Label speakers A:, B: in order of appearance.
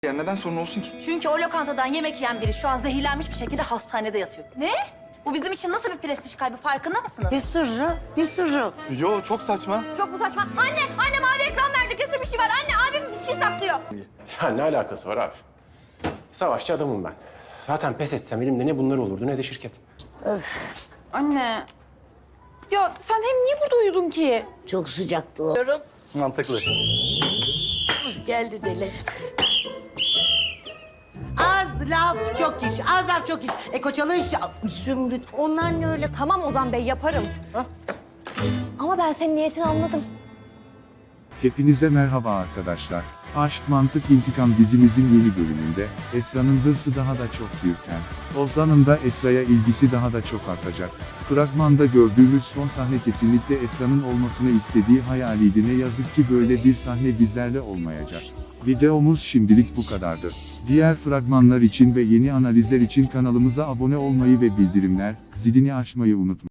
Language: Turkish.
A: Ya neden sorun olsun ki?
B: Çünkü o lokantadan yemek yiyen biri şu an zehirlenmiş bir şekilde hastanede yatıyor. Ne? Bu bizim için nasıl bir prestij kaybı, farkında mısınız?
C: Bir sırrı.
A: Yo çok saçma.
D: Çok mu saçma? Anne mavi ekran verdi. Kesin bir şey var. Anne abim bir şey saklıyor.
E: Ya ne alakası var abi? Savaşçı adamım ben. Zaten pes etsem elimde ne bunlar olurdu ne de şirket.
D: Anne. Ya sen hem niye burada uyudun ki?
C: Çok sıcaktı o.
A: Mantıklı.
C: Geldi deli. Az laf çok iş, az laf çok iş. Eko çalış, Zümrüt. Onlar ne öyle?
D: Tamam Ozan Bey yaparım. Ama ben senin niyetini anladım.
F: Hepinize merhaba arkadaşlar. Aşk Mantık İntikam dizimizin yeni bölümünde, Esra'nın hırsı daha da çok büyürken, Ozan'ın da Esra'ya ilgisi daha da çok artacak. Fragmanda gördüğümüz son sahne kesinlikle Esra'nın olmasını istediği hayaliydi. Ne yazık ki böyle bir sahne bizlerle olmayacak. Videomuz şimdilik bu kadardı. Diğer fragmanlar için ve yeni analizler için kanalımıza abone olmayı ve bildirimler zilini açmayı unutmayın.